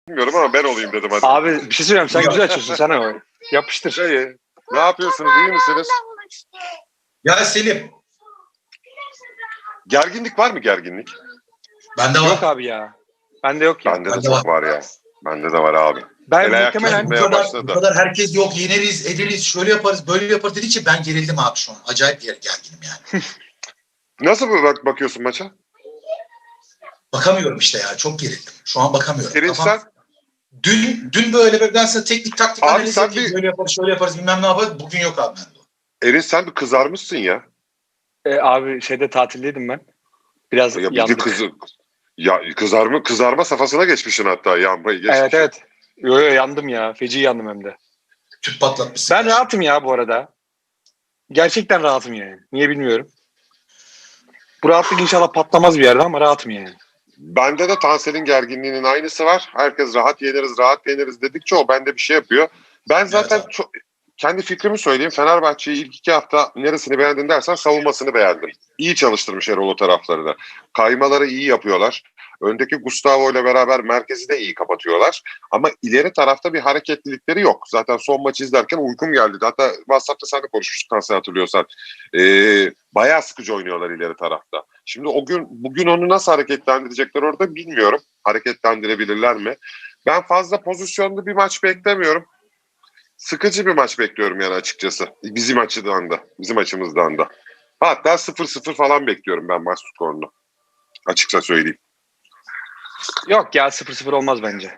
bilmiyorum ama ben olayım dedim hadi. Abi bir şey söyleyeyim, sen güzel açıyorsun, sen o. Yapıştır. Şey, ne yapıyorsunuz, iyi misiniz? Ya Selim. Gerginlik var mı gerginlik? Bende var. Yok abi ya. Bende yok ya. Bende de çok var ya. Bende de var abi. Ben El ayak muhtemelen tutmaya başladı. Bu kadar herkes yok yeneriz, ederiz, şöyle yaparız, böyle yaparız dedikçe ben gerildim abi şu an. Acayip gerginim yani. Nasıl bakıyorsun maça? Bakamıyorum işte ya. Çok gerildim. Şu an bakamıyorum. Erinç sen? Dün böyle ben sana teknik taktik Abi analiz sen edeyim. Böyle yaparız, şöyle yaparız, bilmem ne yaparız. Bugün yok abi bende. Erinç sen bir kızarmışsın ya. abi tatildeydim ben. Biraz Ya bir de yandık. kızarma safhasına geçmişsin hatta, yanmayı geçmişsin. Evet evet. Yo yandım ya. Feci yandım hem de. Tüp patlatmışsın. Ben rahatım ya bu arada. Gerçekten rahatım yani. Niye bilmiyorum. Bu rahatlık inşallah patlamaz bir yerde ama rahatım yani. Bende de Tansel'in gerginliğinin aynısı var. Herkes rahat yeneriz dedikçe o bende bir şey yapıyor. Ben zaten Evet, kendi fikrimi söyleyeyim. Fenerbahçe'yi ilk 2 hafta neresini beğendin dersen savunmasını beğendim. İyi çalıştırmış Erol o tarafları da. Kaymaları iyi yapıyorlar. Öndeki Gustavo ile beraber merkezi de iyi kapatıyorlar. Ama ileri tarafta bir hareketlilikleri yok. Zaten son maçı izlerken uykum geldi. Hatta WhatsApp'ta sen de konuşmuştuk Tansel, hatırlıyorsan. Bayağı sıkıcı oynuyorlar ileri tarafta. Şimdi bugün onu nasıl hareketlendirecekler orada bilmiyorum. Hareketlendirebilirler mi? Ben fazla pozisyonlu bir maç beklemiyorum. Sıkıcı bir maç bekliyorum yani açıkçası. Bizim açımızdan da. Hatta 0-0 falan bekliyorum ben maç skorunu. Açıkça söyleyeyim. Yok ya 0-0 olmaz bence.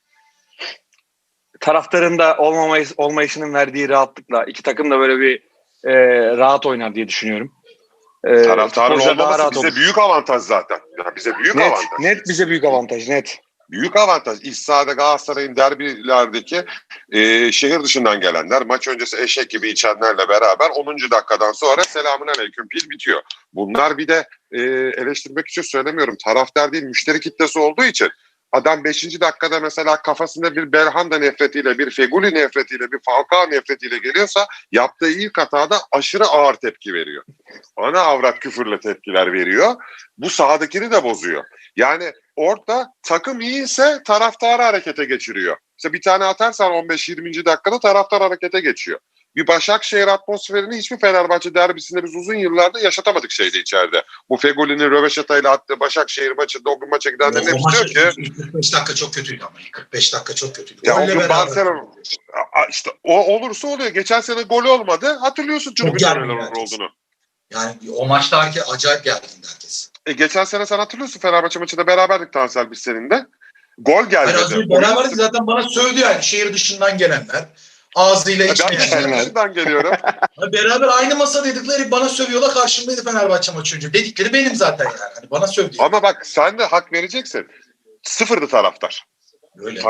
Taraftarın da olmayışının verdiği rahatlıkla iki takım da böyle bir rahat oynar diye düşünüyorum. Taraftarın futbolcular daha olmaması rahat bize olur. büyük avantaj zaten. Yani bize büyük avantaj. Net bize büyük avantaj, net. Büyük avantaj. İç sahada Galatasaray'ın derbilerdeki şehir dışından gelenler, maç öncesi eşek gibi içenlerle beraber 10. dakikadan sonra selamünaleyküm pil bitiyor. Bunlar bir de eleştirmek için söylemiyorum. Taraftar değil, müşteri kitlesi olduğu için adam 5. dakikada mesela kafasında bir Belhanda nefretiyle, bir Feguli nefretiyle, bir Falcao nefretiyle geliyorsa yaptığı ilk hatada aşırı ağır tepki veriyor. Ana avrat küfürle tepkiler veriyor. Bu sahadakini de bozuyor. Yani orada takım iyiyse taraftarı harekete geçiriyor. İşte bir tane atarsan 15-20. dakikada taraftar harekete geçiyor. Bir Başakşehir atmosferini hiçbir Fenerbahçe derbisinde biz uzun yıllarda yaşatamadık şeyde içeride. Bu Fegoli'nin röveşatayla attığı Başakşehir maçında o gün maça gidenlerin hepsi diyor ki 45 dakika çok kötüydü ama. 45 dakika çok kötüydü. ya o Golle gün beraber. Barcelona işte o olursa oluyor. Geçen sene gol olmadı. Hatırlıyorsun çünkü gergin neler herkes. olduğunu. Yani o maçta acayip gergindi herkes. Geçen sene sen hatırlıyorsun, Fenerbahçe maçında beraberdik Tansel biz seninle. Gol gelmedi. Hayır, beraberdik zaten, bana sövdü yani şehir dışından gelenler. Ağzıyla Ben de şehir içmeyenler. dışından geliyorum. Beraber aynı masadaydıkları bana sövüyorlar, karşımdaydı Fenerbahçe maçı önce. Dedikleri benim zaten yani. Hani bana sövdü. Ama bak sen de hak vereceksin. Sıfırdı taraftar. Öyle.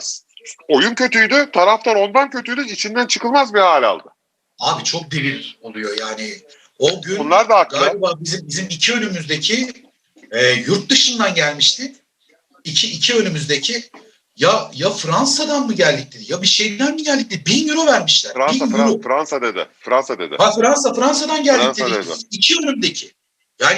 Oyun kötüydü. Taraftar ondan kötüydü. İçinden çıkılmaz bir hal aldı. Abi çok devir oluyor yani. O gün bunlar da haklı. Galiba bizim iki önümüzdeki yurt dışından gelmişti. İki önümüzdeki ya Fransa'dan mı geldik dedi, ya bir şeyden mi geldik dedi. 1000 euro vermişler. Fransa dedi. Ha Fransa'dan geldik Fransa dedi. dedi. İki önümdeki. Yani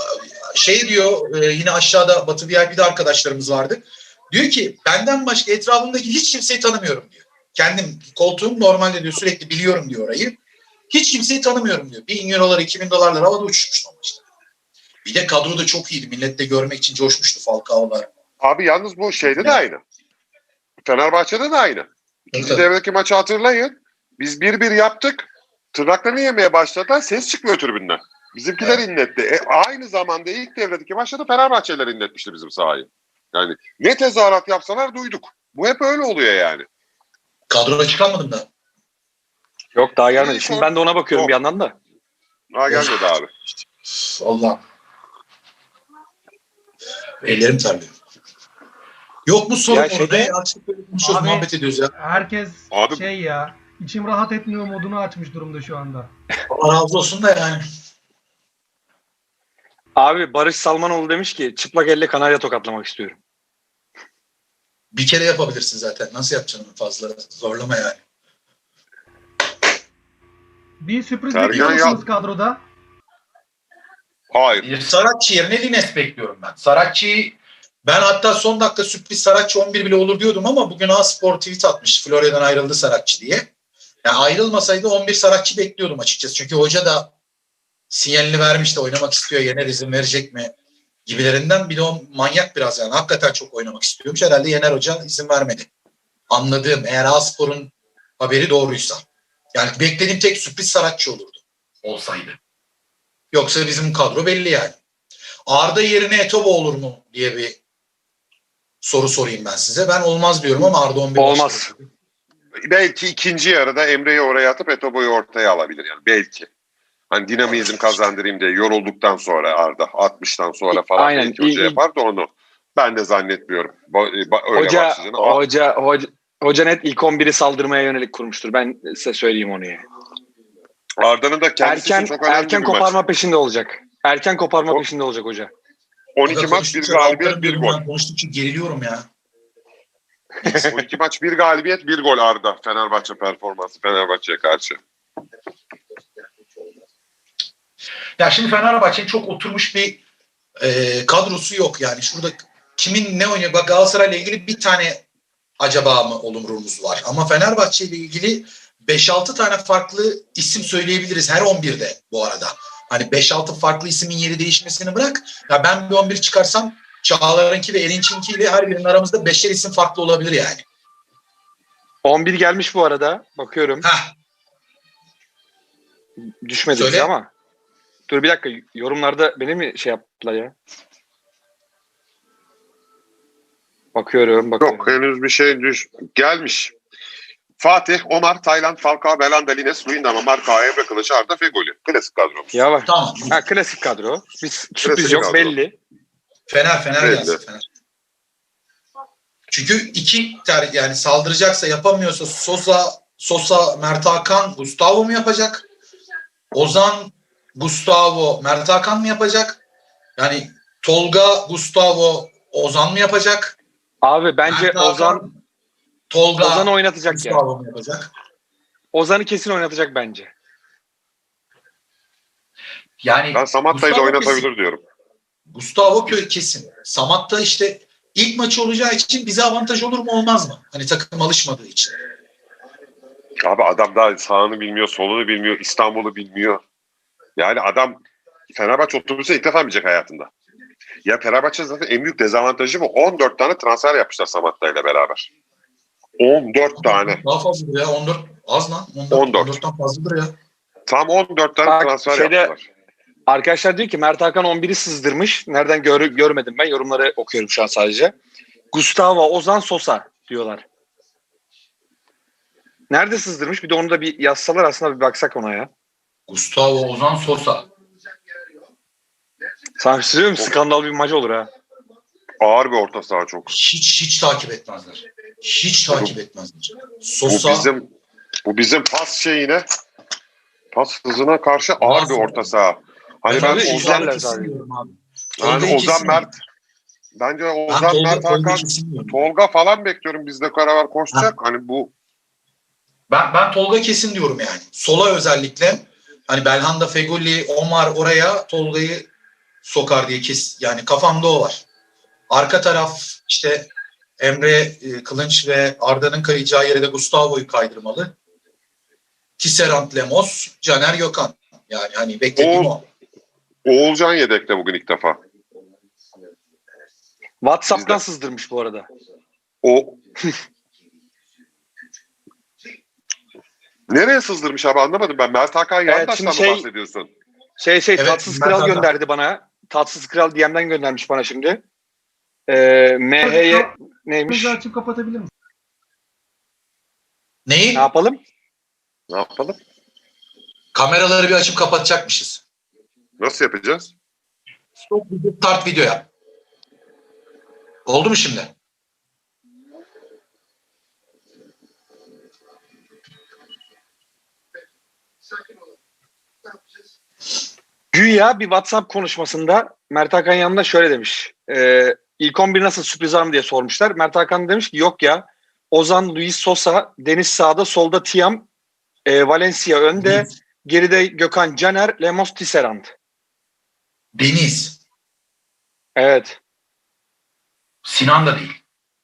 şey diyor, yine aşağıda Batı VIP'de arkadaşlarımız vardı. Diyor ki benden başka etrafımdaki hiç kimseyi tanımıyorum diyor. Kendim koltuğum normalde diyor, sürekli biliyorum diyor orayı. Hiç kimseyi tanımıyorum diyor. 1000 eurolar, 2000 dolarlar havada uçuşmuştu o maçta. Bir de kadro da çok iyiydi. Millet de görmek için coşmuştu, Falcao'lar. Abi yalnız bu şeyde de aynı. Fenerbahçe'de de aynı. İkinci devredeki maçı hatırlayın. Biz 1-1 yaptık. Tırnaklarını yemeye başladılar. Ses çıkmıyor tribünden. Bizimkiler inletti. Aynı zamanda ilk devredeki maçta da Fenerbahçeliler inletmişti bizim sahayı. Yani ne tezahürat yapsalar duyduk. Bu hep öyle oluyor yani. Kadroda çıkamadım da. Yok daha gelmedi. Şimdi ben de ona bakıyorum bir yandan da. Daha gelmedi abi. Allah. Ellerim terliyor. Yok mu sorun orada? Açlık böyle konuşuyoruz, muhabbet ediyoruz ya. Herkes Abi, şey ya, içim rahat etmiyor modunu açmış durumda şu anda. Allah razı olsun da yani. Abi Barış Salmanoğlu demiş ki çıplak elle kanarya tokatlamak istiyorum. Bir kere yapabilirsin zaten. Nasıl yapacaksın, fazla zorlama yani. Bir sürpriz Sergen bekliyor musunuz kadroda? hayır. Saratçı yerine Lines bekliyorum ben. Saratçı'yı Ben hatta son dakika sürpriz Saratçı 11 bile olur diyordum ama bugün A-Spor tweet atmış. Florya'dan ayrıldı Saratçı diye. Yani ayrılmasaydı 11 Saratçı bekliyordum açıkçası. Çünkü hoca da sinyalini vermişti, oynamak istiyor, Yener izin verecek mi gibilerinden. Bir de o manyak biraz yani. Hakikaten çok oynamak istiyormuş. Herhalde Yener Hoca izin vermedi. Anladığım, eğer A-Spor'un haberi doğruysa. Yani beklediğim tek sürpriz Saratçı olurdu. Olsaydı. Yoksa bizim kadro belli yani. Arda yerine Etobo olur mu diye bir soru sorayım ben size. Ben olmaz diyorum ama Arda 11 Olmaz. başladı. Belki ikinci yarıda Emre'yi oraya atıp Etobo'yu ortaya alabilir yani belki. Hani dinamizm kazandırayım diye yorulduktan sonra Arda 60'tan sonra falan Aynen. belki hoca yapar da onu ben de zannetmiyorum. Öyle başlayacağını. Hoca net ilk 11'i saldırmaya yönelik kurmuştur. Ben size söyleyeyim onu yani. Arda'nın da kendisi için çok önemli Erken bir koparma maç. peşinde olacak. Erken koparma peşinde olacak hoca. 12 maç bir galibiyet bir gol. Konuştukça geriliyorum ya. 12 maç bir galibiyet bir gol Arda. Fenerbahçe performansı Fenerbahçe'ye karşı. Ya şimdi Fenerbahçe'nin çok oturmuş bir kadrosu yok yani. Şurada kimin ne oynuyor? Bak Galatasaray'la ilgili bir tane acaba mı olumrumuz var. Ama Fenerbahçe ile ilgili 5-6 tane farklı isim söyleyebiliriz her 11'de bu arada. Hani 5-6 farklı ismin yeri değişmesini bırak. Ya ben bir 11 çıkarsam Çağlar'ınki ve Erinç'inki ile her birinin aramızda 5'er isim farklı olabilir yani. 11 gelmiş bu arada. Bakıyorum. Heh. Düşmedi Söyle. bize ama. Dur bir dakika. Yorumlarda beni mi şey yaptılar ya? Bakıyorum. Yok henüz bir şey gelmiş. Fatih, Omar, Tayland, Falcao, Belanda, Lines, Luyendama, Marka, Emre Kılıç, Arda, Fegoli. Klasik kadromuz. Ya var. Tamam. Ha, klasik kadro. Bir sürpriz Klasik yok kadro. belli. Fener Belli. gelsin Fener. Çünkü yani saldıracaksa yapamıyorsa Sosa, Mert Hakan, Gustavo mu yapacak? Ozan, Gustavo, Mert Hakan mı yapacak? Yani Tolga, Gustavo, Ozan mı yapacak? Abi bence Mert Hakan, Tolga, Ozan oynatacak Gustavo yani. mu yapacak? Ozan'ı kesin oynatacak bence. Yani Ben Samatta'yı da Gustavo oynatabilir kesin. diyorum. Gustavo kesin. Samatta işte ilk maçı olacağı için bize avantaj olur mu olmaz mı? Hani takım alışmadığı için. Abi adam daha sağını bilmiyor, solunu bilmiyor, İstanbul'u bilmiyor. Yani adam Fenerbahçe otobüse ilk defa binecek hayatında. Ya Fenerbahçe zaten en büyük dezavantajı bu. 14 tane transfer yapmışlar Samatta ile beraber. 14 tane. Daha fazladır ya. 14 az lan. 14. 14'ten fazladır ya. Tam 14 tane Bak, transfer yaptılar. Arkadaşlar diyor ki Mert Hakan 11'i sızdırmış. Nereden görmedim ben. Yorumları okuyorum şu an sadece. Gustavo, Ozan, Sosa diyorlar. Nerede sızdırmış? Bir de onu da bir yazsalar aslında bir baksak ona ya. Gustavo, Ozan, Sosa. Sana söylüyorum skandal bir maç olur ha. Ağır bir orta saha çok. Hiç takip etmezler. Hiç takip etmezler. Sosa. Bu bizim pas hızına karşı ağır bir orta saha. Hani ben Ozan Mert bence Ozan Mert Hakan Tolga falan bekliyorum, bizde beraber koşacak. Hani bu ben Tolga kesin diyorum yani. Sola özellikle hani Belhanda, Fegoli, Omar oraya Tolga'yı sokar diye yani kafamda o var. Arka taraf işte Emre Kılınç ve Arda'nın kayacağı yere de Gustavo'yu kaydırmalı. Tisserand, Lemos, Caner Gökhan. Yani hani beklediğim o. Oğulcan yedekte bugün ilk defa. WhatsApp'tan sızdırmış bu arada. O nereye sızdırmış abi, anlamadım ben. Mert Hakan Yandaş'tan mı bahsediyorsun? Evet, Tatsız Kral gönderdi bana. Tatsız Kral DM'den göndermiş bana şimdi. MH'ye neymiş? Açıp kapatabilir misin? Neyi? Ne yapalım? Kameraları bir açıp kapatacakmışız. Nasıl yapacağız? Start video yap. Oldu mu şimdi? Güya bir WhatsApp konuşmasında Mert Hakan yanında şöyle demiş. İlk 11 nasıl, sürpriz var mı diye sormuşlar. Mert Hakan demiş ki yok ya. Ozan, Luis Sosa, Deniz sağda, solda Tiam, Valencia önde, geride Gökhan, Caner, Lemos, Tisserand. Deniz. Evet. Sinan da değil.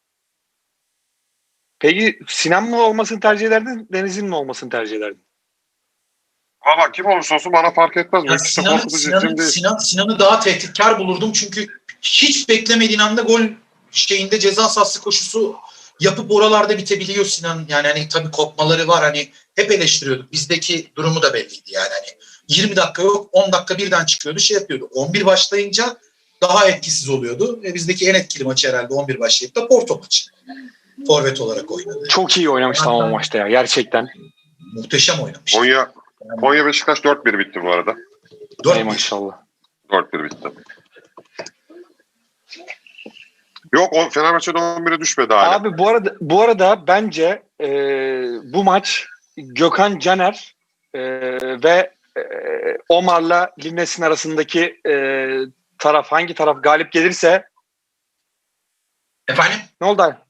Peki Sinan mı olmasını tercih ederdin, Deniz'in mi olmasını tercih ederdin? Valla kim olursa olsun bana fark etmez. Bu Ya ikisi de korkutucu isim değil. Sinan'ı daha tehditkar bulurdum çünkü hiç beklemediğin anda gol şeyinde ceza sahası koşusu yapıp oralarda bitebiliyor Sinan. Yani hani tabii kopmaları var, hani hep eleştiriyorduk. Bizdeki durumu da belliydi yani, hani 20 dakika yok, 10 dakika birden çıkıyordu, şey yapıyordu. 11 başlayınca daha etkisiz oluyordu. Bizdeki en etkili maçı herhalde 11 başlayıp da Porto maçı. Forvet olarak oynadı. Çok iyi oynamış tamam o maçta ya gerçekten. Muhteşem oynamış. Konya Beşiktaş 4-1 bitti bu arada. 4-1. Ay maşallah. 4-1 bitti. Yok o Fenerbahçe'de 11'e düşmedi hala. Abi bu arada bence bu maç Gökhan Caner ve Omar'la Linnes'in arasındaki taraf hangi taraf galip gelirse Efendim? ne oldu abi?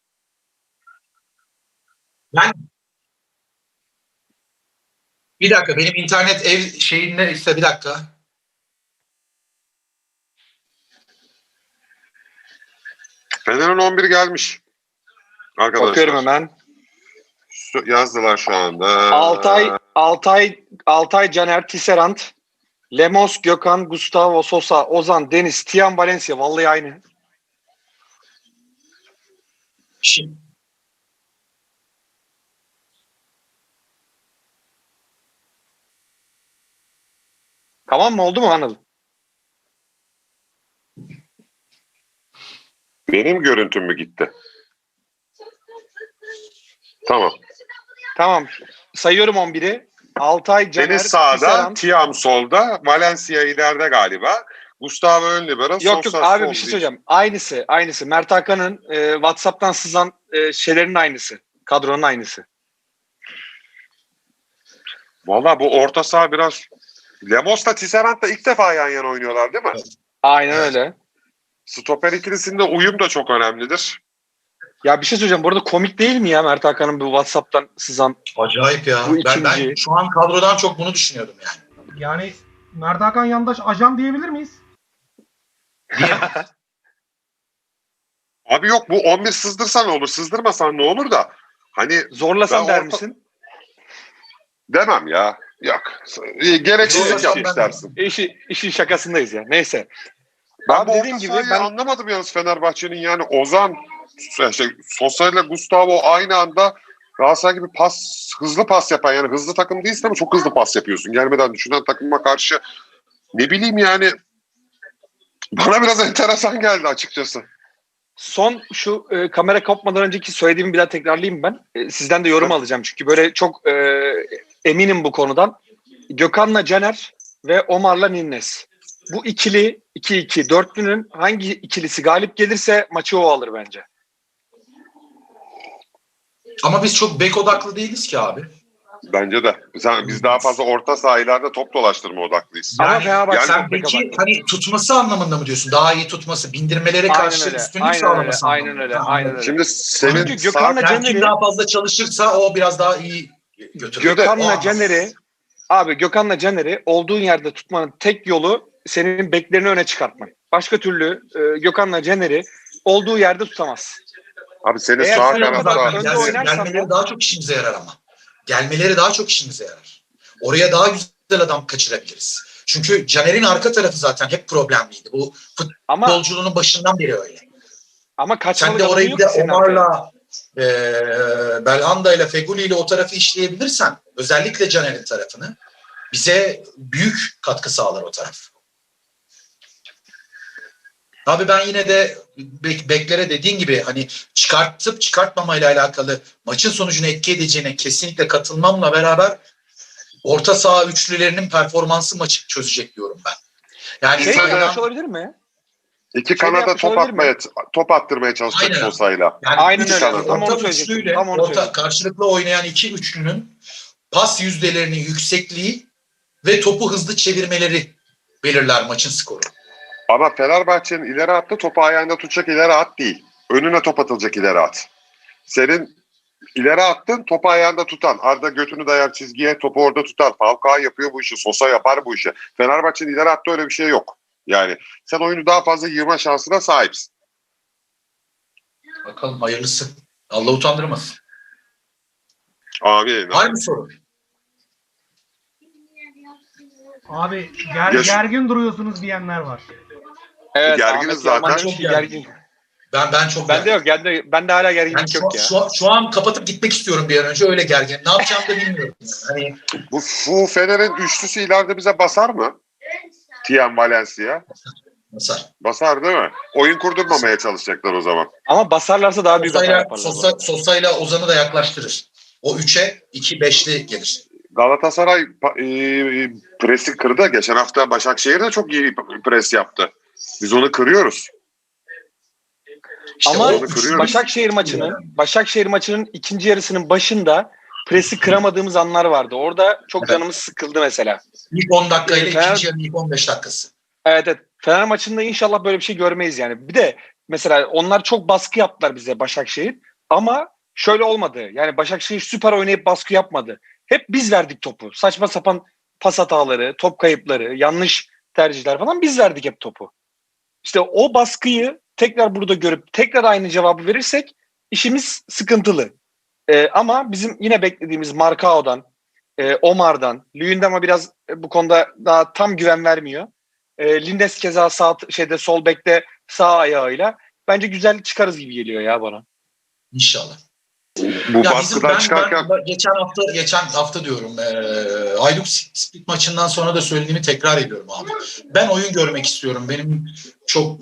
Bir dakika, benim internet ev şeyinde ise bir dakika. Fener'in 11 gelmiş. Arkadaşlar. Bakıyorum hemen. Yazdılar şu anda. Altay Caner, Tisserand, Lemos, Gökhan, Gustavo, Sosa, Ozan, Deniz, Tiam, Valencia. Vallahi aynı. Şimdi, Tamam mı? Oldu mu Anıl? Benim görüntüm mü gitti? Tamam. Tamam. Sayıyorum 11'i. Altay Caner, Deniz sağda, Tisserand. Tiam solda, Valencia ileride galiba. Gustavo ön libero, Yok Sosa abi sol bir şey diye. söyleyeceğim. Aynısı. Mert Hakan'ın WhatsApp'tan sızan şeylerin aynısı. Kadronun aynısı. Valla bu orta saha biraz... Lemos'la Tisserand da ilk defa yan yana oynuyorlar değil mi? Aynen öyle. Stoper ikilisinde uyum da çok önemlidir. Ya bir şey söyleyeceğim. Bu arada komik değil mi ya Mert Hakan'ın bu WhatsApp'tan sızan? acayip ya. Bu Ben ikinci. şu an kadrodan çok bunu düşünüyordum yani. Yani Mert Hakan Yandaş ajan diyebilir miyiz? Abi yok bu 11 sızdırsan ne olur, sızdırmasan ne olur da. Hani Zorlasan Ben der orta- misin? demem ya. Yok. Gereksizlik Zorlasam yapmış ben- dersin. İşin şakasındayız ya. Neyse. Ben Abi bu dediğim orta gibi sahayı ben anlamadım yalnız Fenerbahçe'nin yani Ozan, Sosa ile Gustavo aynı anda Galatasaray gibi hızlı pas yapan yani hızlı takım değilsin ama çok hızlı pas yapıyorsun. Gelmeden düşünen takıma karşı ne bileyim yani bana biraz enteresan geldi açıkçası. son şu kamera kopmadan önceki söylediğimi bir daha tekrarlayayım ben. Sizden de yorum alacağım çünkü böyle çok eminim bu konudan. Gökhan'la Caner ve Omar'la Ninnes. Bu ikili 2-2 dörtlünün hangi ikilisi galip gelirse maçı o alır bence. Ama biz çok bek odaklı değiliz ki abi. Bence de. Biz daha fazla orta sahalarda top dolaştırma odaklıyız. Ama Yani Fenerbahçe sen çok bek peki odaklı. hani tutması anlamında mı diyorsun? Daha iyi tutması, bindirmelere karşı üstünlük sağlaması Aynen anlamında. öyle, Tamam. aynen öyle. Şimdi senin Çünkü Gökhan'la Yani kim Caner'i daha fazla çalışırsa o biraz daha iyi götürür. Gökhan'la Caner'i olduğun yerde tutmanın tek yolu senin beklerini öne çıkartman. Başka türlü Gökhan'la Caner'i olduğu yerde tutamaz. abi senin Eğer sağ sen o kadar kanatta önde oynarsan Gelmeleri da- daha çok işimize yarar ama. Gelmeleri daha çok işimize yarar. Oraya daha güzel adam kaçırabiliriz. Çünkü Caner'in arka tarafı zaten hep problemliydi. Bu Ama futbolculuğunun başından beri öyle. ama Sen kaçmalık de adamın orayı yok bir de ki senin arkaya. Omar'la Belhanda ile Feguli ile o tarafı işleyebilirsen, özellikle Caner'in tarafını, bize büyük katkı sağlar o taraf. Abi ben yine de beklere dediğin gibi hani çıkartıp çıkartmamayla alakalı maçın sonucunu etki edeceğine kesinlikle katılmamla beraber orta saha üçlülerinin performansı maçı çözecek diyorum ben. Yani Şey Sen de- yapmış olabilir mi? iki Şöyle kanada yapmış top olabilir mi? atmaya top attırmaya çalışacak Aynen. Sosa'yla. Yani Aynen üç öyle. tane Tam onu orta söyleyecektim. üçlüyle Tam onu söyleyecektim. karşılıklı oynayan iki üçlünün pas yüzdelerinin yüksekliği ve topu hızlı çevirmeleri belirler maçın skoru. Ama Fenerbahçe'nin ileri attı topu ayağında tutacak ileri at değil. Önüne top atılacak ileri at. Senin ileri attın topu ayağında tutan. Arda götünü dayar çizgiye topu orada tutar. Falcao yapıyor bu işi. Sosa yapar bu işi. Fenerbahçe'nin ileri attı öyle bir şey yok. Yani sen oyunu daha fazla yığma şansına sahipsin. Bakalım hayırlısı. Allah utandırmasın. Abi Var mı soru? Abi Yaş- gergin duruyorsunuz diyenler var. Evet, Gerginiz Ahmet zaten. Yalman Çok demiş ki gergin. gergin. Ben çok Bende gerginim. yok. Bende hala Yani gerginlik yok ya. şu an kapatıp gitmek istiyorum bir an önce. Öyle gergin. Ne yapacağımı da bilmiyorum. Hani Bu Fener'in üçlüsü ileride bize basar mı? Tiem Valencia. Masar. Basar değil mi? Oyun kurdurmamaya çalışacaklar o zaman. Ama basarlarsa daha büyük hata yaparlar. bu arada. Sosa'yla Ozan'ı da yaklaştırır. O 3'e 2-5'li gelir. Galatasaray presi kırdı. Geçen hafta Başakşehir de çok iyi pres yaptı. Biz onu kırıyoruz. İşte Ama o üçlü- Başakşehir maçının ikinci yarısının başında presi kıramadığımız anlar vardı. Orada çok Evet. canımız sıkıldı mesela. İlk 10 dakika ile Fener- ikinci yarının ilk 15 dakikası. Evet. Fener maçında inşallah böyle bir şey görmeyiz yani. Bir de mesela onlar çok baskı yaptılar bize Başakşehir. Ama şöyle olmadı. Yani Başakşehir süper oynayıp baskı yapmadı. Hep biz verdik topu. Saçma sapan pas hataları, top kayıpları, yanlış tercihler falan biz verdik hep topu. İşte o baskıyı tekrar burada görüp tekrar aynı cevabı verirsek işimiz sıkıntılı. Ama bizim yine beklediğimiz Marcao'dan, Omar'dan, Luyendam'a biraz bu konuda daha tam güven vermiyor. Lindes keza sol bekte sağ ayağıyla bence güzel çıkarız gibi geliyor ya bana. İnşallah. Bu Ya baskıdan çıkarken ben geçen hafta diyorum Hajduk Split maçından sonra da söylediğimi tekrar ediyorum abi. Ben oyun görmek istiyorum. Benim çok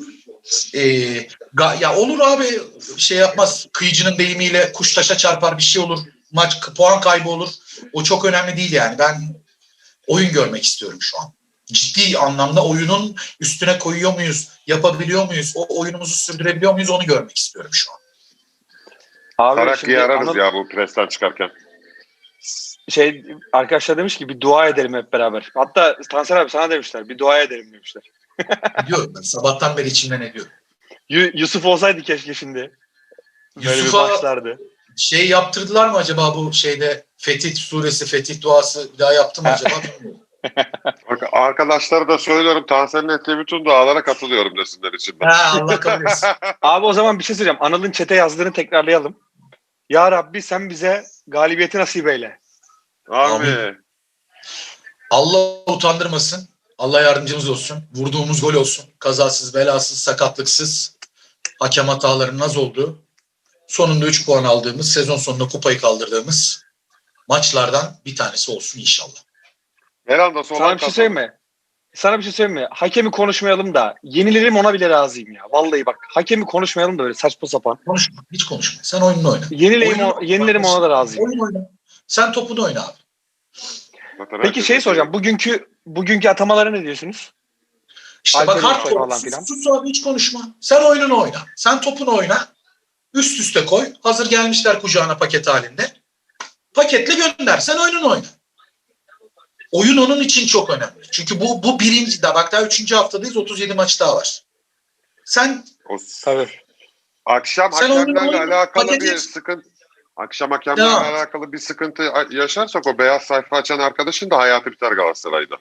ya olur abi şey yapmaz. Kıyıcının deyimiyle kuş taşa çarpar bir şey olur. Maç puan kaybı olur. O çok önemli değil yani. Ben oyun görmek istiyorum şu an. Ciddi anlamda oyunun üstüne koyuyor muyuz? Yapabiliyor muyuz? O oyunumuzu sürdürebiliyor muyuz? Onu görmek istiyorum şu an. Abi Tarakkı'yı ararız ya bu presten çıkarken. Arkadaşlar demiş ki bir dua edelim hep beraber. Hatta Tansel abi sana demişler bir dua edelim demişler. Diyorum ben sabahtan beri içimden ediyorum. Yusuf olsaydı keşke şimdi. Böyle Yusuf'a bir başlardı. şey yaptırdılar mı acaba bu şeyde Fetih suresi, Fetih duası bir daha yaptı mı acaba bilmiyorum. Arkadaşlara da söylüyorum. Tansel'in ettiği bütün dualara katılıyorum desinler içinden. Ha, Allah kabul etsin. Abi o zaman bir şey söyleyeceğim. Anıl'ın çete yazdığını tekrarlayalım. Ya Rabbi sen bize galibiyeti nasip eyle. Abi. Allah utandırmasın. Allah yardımcımız olsun. Vurduğumuz gol olsun. Kazasız, belasız, sakatlıksız. Hakem hatalarının az olduğu. Sonunda 3 puan aldığımız, sezon sonunda kupayı kaldırdığımız maçlardan bir tanesi olsun inşallah. Verandası olan Sana bir şey söyleyeyim mi? Hakemi konuşmayalım da yenilerim ona bile razıyım ya. Vallahi bak hakemi konuşmayalım da öyle saçma sapan. Konuşma, hiç konuşma. Sen oyununu oyna. Yenilerim ona da razıyım. Oyun oyna. Sen topunu oyna abi. Peki soracağım. Bugünkü atamalara ne diyorsunuz? İşte bak Alper'in hardcore. falan filan. Sus abi hiç konuşma. Sen oyununu oyna. Sen topunu oyna. Üst üste koy. Hazır gelmişler kucağına paket halinde. Paketle gönder. Sen oyununu oyna. Oyun onun için çok önemli. Çünkü bu birinci daha bak daha 3. haftadayız. 37 maç daha var. Sen Tabii. Akşam Sen hakemlerle oyunu alakalı paket bir et. sıkıntı hakemlerle Devam. alakalı bir sıkıntı yaşarsak o beyaz sayfa açan arkadaşın da hayatı biter Galatasaray'da.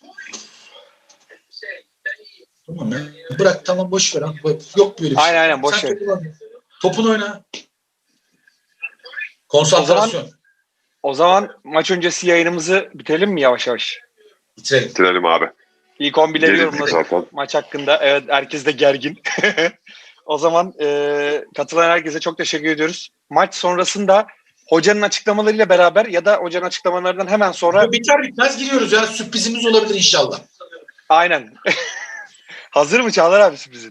Tamam ya. Bırak tamam boş ver. Yok böyle bir şey. Aynen boş Sen ver. topunu oyna. Konsantrasyon. O zaman maç öncesi yayınımızı bitirelim mi yavaş yavaş? Bitirelim. Bitirelim abi. İlk 11'leri Gerildik yorumladık zaten. maç hakkında. Evet herkes de gergin. O zaman katılan herkese çok teşekkür ediyoruz. Maç sonrasında hocanın açıklamalarıyla beraber ya da hocanın açıklamalarından hemen sonra Biter bitmez giriyoruz ya. Sürprizimiz olabilir inşallah. aynen. Hazır mı Çağlar abi sürprizin?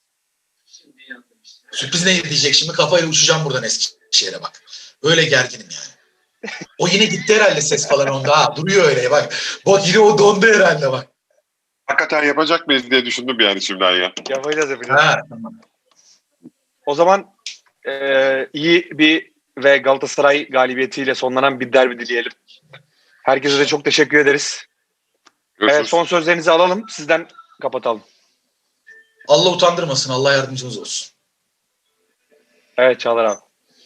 Sürpriz ne diyecek şimdi? Kafayla uçacağım buradan Eskişehir'e bak. Öyle gerginim yani. O yine gitti herhalde ses falan onda. Ha, duruyor öyle bak. Bak yine o dondu herhalde bak. Hakikaten yapacak mıyız diye düşündüm yani şimdiden ya. Yapacağız. Ha, tamam. O zaman iyi bir ve Galatasaray galibiyetiyle sonlanan bir derbi dileyelim. Herkese de çok teşekkür ederiz. Görüşürüz. Evet, son sözlerinizi alalım. Sizden kapatalım. Allah utandırmasın. Allah yardımcımız olsun. Evet Çağlar abi.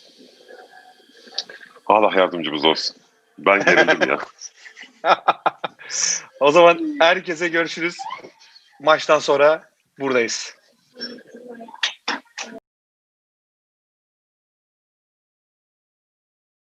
Allah yardımcımız olsun. Ben gerildim ya. O zaman herkese görüşürüz. Maçtan sonra buradayız.